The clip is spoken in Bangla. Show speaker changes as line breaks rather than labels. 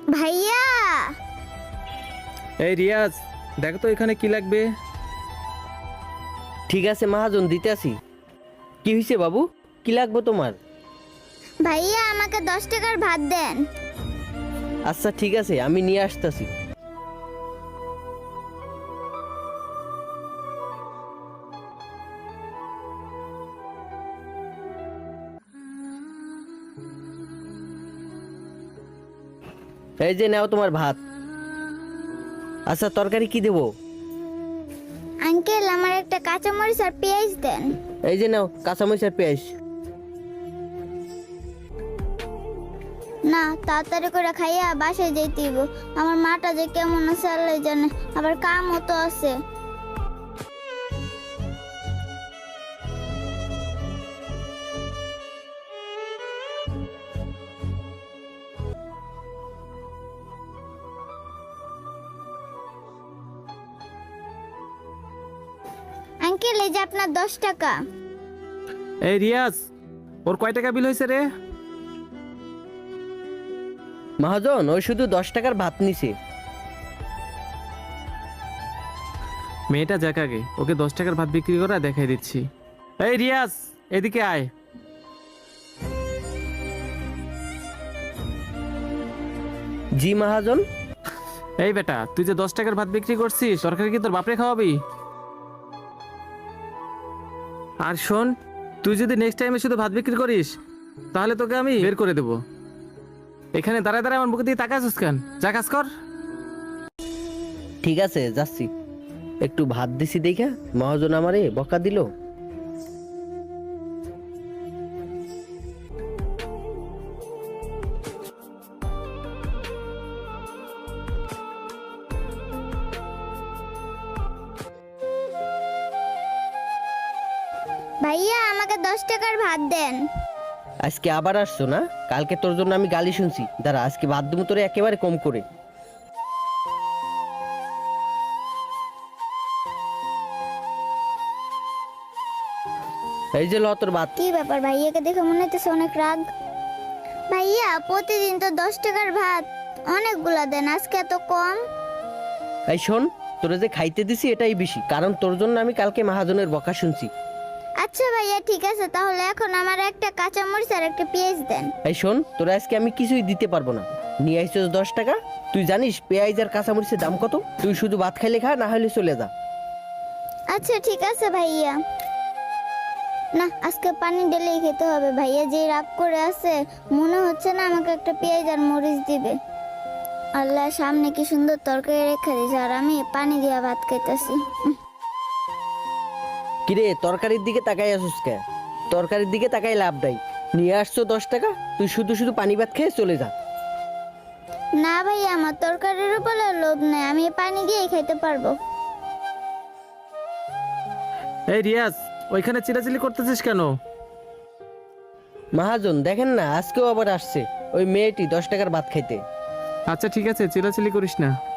ভাইয়া
এই রিয়াজ, দেখো তো এখানে কি লাগবে।
ঠিক আছে মহাজন, দিতে আসি। কি হয়েছে বাবু, কি লাগবে তোমার?
ভাইয়া আমাকে 10 টাকার ভাত দেন।
আচ্ছা ঠিক আছে, আমি নিয়ে আসতেছি। এই যে নাও তোমার ভাত। আচ্ছা তরকারি কি দেবো?
আঙ্কেল আমার একটা কাঁচামরিচ আর পেঁয়াজ দেন।
এই যে নাও কাঁচামরিচ আর পেঁয়াজ।
না, তাড়াতাড়ি করে খাইয়া বাসায় যাইতে হইব। আমার মাটা যে কেমন আছে আল্লাহ জানে, আবার কামও তো আছে। আঙ্কেল এই যে আপনার 10 টাকা।
এই রিয়াজ, ওর কয় টাকা বিল হয়েছে রে?
মহাজন ওই শুধু 10 টাকার ভাত নিছে।
মেয়েটা যাক আগে, ওকে 10 টাকার ভাত বিক্রি করা দেখাই দিচ্ছি। এই রিয়াজ, এদিকে আয়।
জি মহাজন।
এই বেটা, তুই যে 10 টাকার ভাত বিক্রি করছিস, সরকার কি তোর বাপরে খাওয়াবি? আর শোন, তুই যদি নেক্সট টাইমে শুধু ভাত বিক্রি করিস, তাহলে তোকে আমি বের করে দেবো। এখানে দাঁড়ায় দাঁড়ায় আমার মুখে দিয়ে তাকাছিস কেন? যা কাজ কর।
ঠিক আছে যাচ্ছি। একটু ভাত দিছি দেখা মহাজন আমারে বকা দিল।
ভাইয়া আমাকে 10 টাকার ভাত দেন।
আজকে আবার আসছো না? কালকে তোর জন্য আমি গালি শুনছি। দাঁড়া, আজকে ভাত দেবো তোরে একেবারে কম করে। এই যে ল তোর ভাত।
কি ব্যাপার, ভাইয়াকে দেখে মনে হচ্ছে অনেক রাগ। ভাইয়া প্রতিদিন তো 10 টাকার ভাত অনেকগুলা দেন, আজকে এত কম।
এই শোন, তোরে যে খাইতে দিছি এটাই বেশি, কারণ তোর জন্য আমি কালকে মহাজনের বকা শুনছি।
আচ্ছা ভাইয়া ঠিক আছে, তাহলে এখন আমার একটা কাঁচামরিচ আর একটা পেঁয়াজ দেন।
এই শোন, তোরা আজকে আমি কিছুই দিতে পারবো না। নিয়ে আইসোস 10 টাকা। তুই জানিস পেঁয়াজ আর কাঁচামরিচের দাম কত? তুই শুধু ভাত খাইলে খা, না হলে চলে যা।
আচ্ছা ঠিক আছে ভাইয়া। না, আজকে পানি ঢেলেই খেতে হবে। ভাইয়া যে রাগ করে আছে, মনে হচ্ছে না আমাকে একটা পেঁয়াজ আর মরিচ দিবে। আল্লাহ, সামনে কি সুন্দর তরকারি রেখে দিয়েছে, আর আমি পানি দিয়া ভাত খাইতেছি।
কিরে তরকারির দিকে তাকাই আসুস কে? তরকারির দিকে তাকাই লাভ নাই। নিয়ে আসছো 10 টাকা, তুই শুধু শুধু পানি ভাত খেয়ে চলে যা।
না ভাইয়া, আমার তরকারির উপরে লোভ নেই, আমি পানি দিয়েই খাইতে পারবো।
এই রিয়াজ, ওইখানে চিল্লাচিল্লি করতেছিস কেন?
মহাজন দেখেন না, আজকেও আবার আসছে ওই মেয়েটি 10 টাকার ভাত খাইতে।
আচ্ছা ঠিক আছে, চিল্লাচিল্লি করিস না।